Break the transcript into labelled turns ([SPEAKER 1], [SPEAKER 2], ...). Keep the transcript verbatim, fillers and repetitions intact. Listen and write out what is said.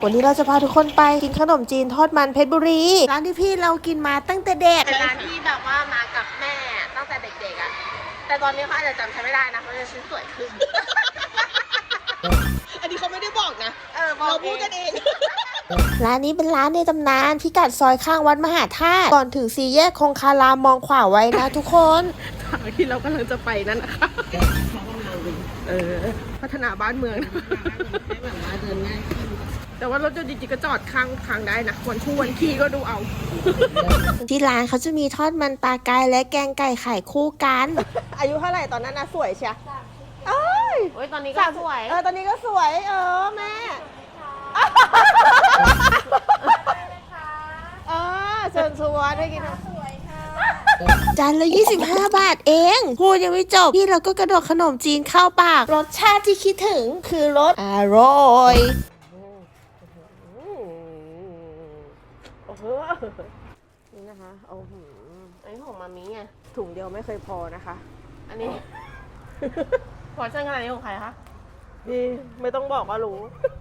[SPEAKER 1] วันนี้เราจะพาทุกคนไปกินขนมจีนทอดมันเพชรบุรีร้านที่พี่เรากินมาตั้งแต่เด็กเป็นร้านที่แบบว่ามากับแม่ตั้งแต่เด็กๆอ่ะแต่ตอนนี้เขาอาจจะจำฉันไม่ได้นะเพราะฉันสวยขึ้น
[SPEAKER 2] อันนี้เขาไม่ได้บอกนะ
[SPEAKER 1] เออบอก
[SPEAKER 2] เราพูดกันเอง
[SPEAKER 1] ร้านนี้เป็นร้านในตำนานพิกัดซอยข้างวัดมหาธาตุก่อนถึงสี่แยกคงคารามมองขวาไว้นะทุกคน
[SPEAKER 2] ทางที่เรากำลังจะไปนั่นนะคะเออพัฒนาบ้านเมืองแบบว่าเดินง่ายขึ้นแต่ว่ารถยนต์จริงๆก็จอดข้างทางได้นะวันคู่วันขี้ก็ดูเอา
[SPEAKER 1] ที่ร้านเขาจะมีทอดมันปลากายและแกงไก่ไข่คู่กัน อายุเท่าไหร่ตอนนั้นนะสวยเชียเอ้ย
[SPEAKER 2] โอ้ยตอนนี้ก็สวย
[SPEAKER 1] เออตอนนี้ก็สวยเออแม่เออเชิญชวนให้กินจานละยี่สิบห้าบาทเองพูดยังไม่จบพี่เราก็กระโดดขนมจีนเข้าปากรสชาติที่คิดถึงคือรสอร่อยนี่นะคะโอ้โหอันนี้ของมามิไงถุงเดียวไม่เคยพอนะคะ
[SPEAKER 2] อันนี้ พอเส้นขนาดนี้ของใครคะ
[SPEAKER 1] พี่ไม่ต้องบอกว่ารู้